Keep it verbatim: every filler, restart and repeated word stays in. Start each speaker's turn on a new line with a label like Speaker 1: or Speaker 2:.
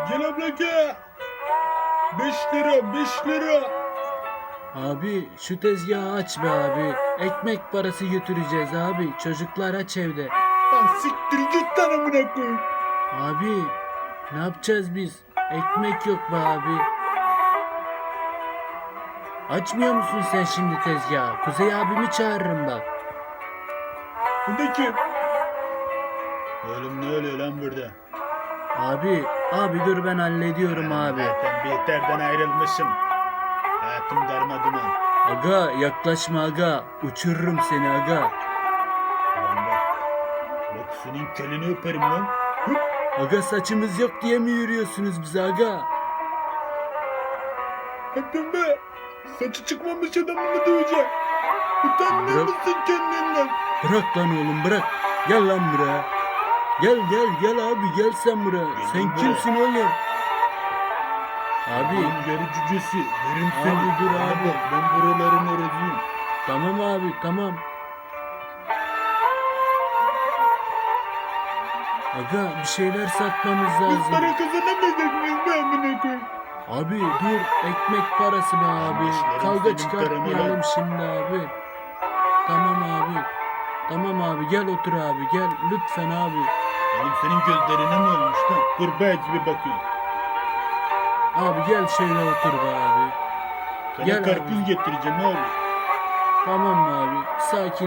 Speaker 1: Gel abla gel. Beş lira beş lira.
Speaker 2: Abi şu tezgahı aç be abi. Ekmek parası götüreceğiz abi. Çocuklar aç evde.
Speaker 1: Lan siktir git lan amına koyayım.
Speaker 2: Abi ne yapacağız biz? Ekmek yok be abi. Açmıyor musun sen şimdi tezgahı? Kuzey abimi çağırırım bak.
Speaker 1: Bu da kim? Oğlum ne oluyor lan burada?
Speaker 2: Abi, abi dur ben hallediyorum abi.
Speaker 1: Zaten Bihter'den ayrılmışım. Hayatım darmaduman.
Speaker 2: Aga yaklaşma aga. Uçururum seni aga.
Speaker 1: Lan bak. Bak senin kelini öperim lan. Hı?
Speaker 2: Aga saçımız yok diye mi yürüyorsunuz bize aga?
Speaker 1: Öpün be. Saçı çıkmamış adamı mı dövecek? Utanmıyor
Speaker 2: Bırak.
Speaker 1: musun kendinden?
Speaker 2: Bırak lan oğlum bırak. Gel lan buraya. Gel gel gel abi gel sen buraya. Sen
Speaker 1: buraya.
Speaker 2: kimsin oğlum? Abi
Speaker 1: Benim yarı cücesi. Verim
Speaker 2: Abi
Speaker 1: seni.
Speaker 2: dur
Speaker 1: Bana
Speaker 2: abi.
Speaker 1: bak, ben buraların orasıyım.
Speaker 2: tamam abi tamam. Aga bir şeyler satmamız
Speaker 1: Biz
Speaker 2: lazım.
Speaker 1: para kazanamayacak mıyız be amına koyayım?
Speaker 2: Abi dur ekmek parası be abi.
Speaker 1: Kardeşlerim,
Speaker 2: Kavga
Speaker 1: senin
Speaker 2: çıkartmayalım
Speaker 1: paranı
Speaker 2: şimdi abi. Tamam abi. Tamam abi gel otur abi gel lütfen abi.
Speaker 1: Oğlum senin gözlerine ne olmuş lan? Kurbağa gibi bakıyorsun.
Speaker 2: Abi gel şöyle otur be abi.
Speaker 1: Sana
Speaker 2: Gel
Speaker 1: karpuz
Speaker 2: abi.
Speaker 1: getireceğim oğlum.
Speaker 2: Tamam mı abi? Sakin